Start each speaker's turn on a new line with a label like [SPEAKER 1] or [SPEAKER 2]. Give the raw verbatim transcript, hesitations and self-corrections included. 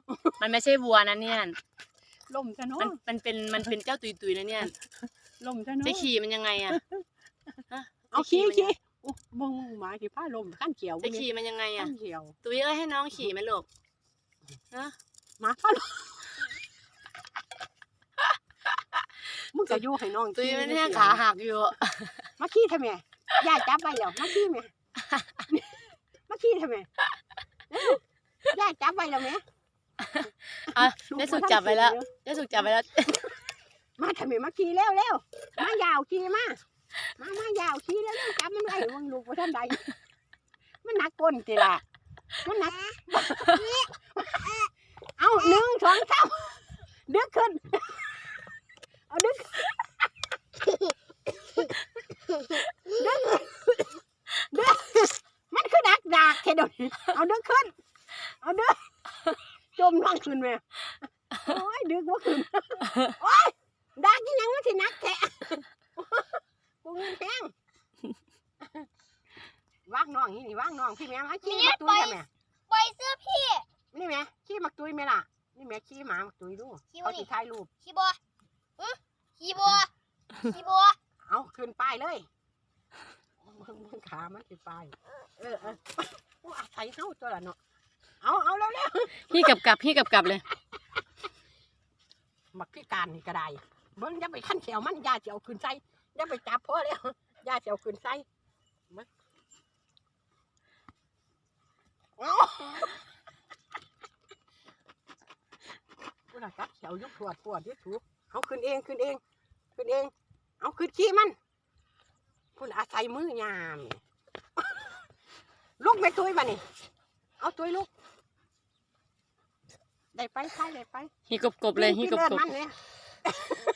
[SPEAKER 1] มันไม่ใช่วัวนะเนี่ย
[SPEAKER 2] ล่มซะเนาะ
[SPEAKER 1] มันมันเป็นมันเป็นเจ้าตุยตุยนะเนี่ย
[SPEAKER 2] ล่มซะเนาะ
[SPEAKER 1] จะขี่มันยังไงอะ
[SPEAKER 2] เอาขี่ขี่มึงหมาขี่ผ้าลมขั้นเขียว
[SPEAKER 1] จะขี่มันยังไงอะ
[SPEAKER 2] ขั้นเขียว
[SPEAKER 1] ตุยเอ้ยให้น้องขี่ไหมลูกนะ
[SPEAKER 2] หมาผ้าลมมึงจะอยู่ให้น้อง
[SPEAKER 1] ตุยมันเนี่ยขาหักอยู่
[SPEAKER 2] มาขี่ทำไมย่าจับไปแล้วมาขี่ไหมมาขี่ทำไมย่าจับไปแล้วไหม
[SPEAKER 1] อ่ะได้สุกจับไปแล้วได้สุกจับไปแล้ว
[SPEAKER 2] มาทำไมมาขี่เร็วเร็วมายาวขี่มามามายาวขี่แล้วจับมันไว้มึงลูกว่าท่านใดมันหนักก้นจีละมันหนักเอาหนึ่งสองสามดึกขึ้นเอาดึกดึกดึกมันคือดักดักแค่เดียวเอาดึกขึ้นเอาดึกจมน้องขึ้นไหมโอ้ยดึกว่าขึ้นโอ้ยดักยังมันสินักแค่กูเงินแพงว่างน้องนี่ว่างน้องพี่แม่มาขี้มักตุยใช่ไหม
[SPEAKER 3] ปล่อยเสื้อพี่
[SPEAKER 2] นี่แม่ขี้มักตุยไหมล่ะนี่แม่ขี้หมามักตุยดูเขาติดถ่ายรูป
[SPEAKER 3] ขี้บัวขี้บัวขี้บัว
[SPEAKER 2] เอาขึ้นป้ายเลยมึงขามันขึ้นป้ายเออเออกูอาศัยเข้าตัวละเนาะเอาเอาแล้วแล้ว
[SPEAKER 1] พี่กับกับพี่กับกับเลย
[SPEAKER 2] มักพิการนี่ก็ได้เบิ้งอย่าไปขั้นแขวมันยาเจียวขึ้นไส้อย่าไปจับพ่อแล้วยาเจียวขึ้นไส้เอากูละจับแขวยุบปวดปวดที่ถูกเอาขึ้นเองขึ้นเองขึ้นเองเอาขึ้นขี้มันคุณอาศัยมือยามลูกไม่ตุยมานี่เอาตุยลูกได้ไปใช่ได้ไป
[SPEAKER 1] ฮีกบกบเลยฮีกบกบ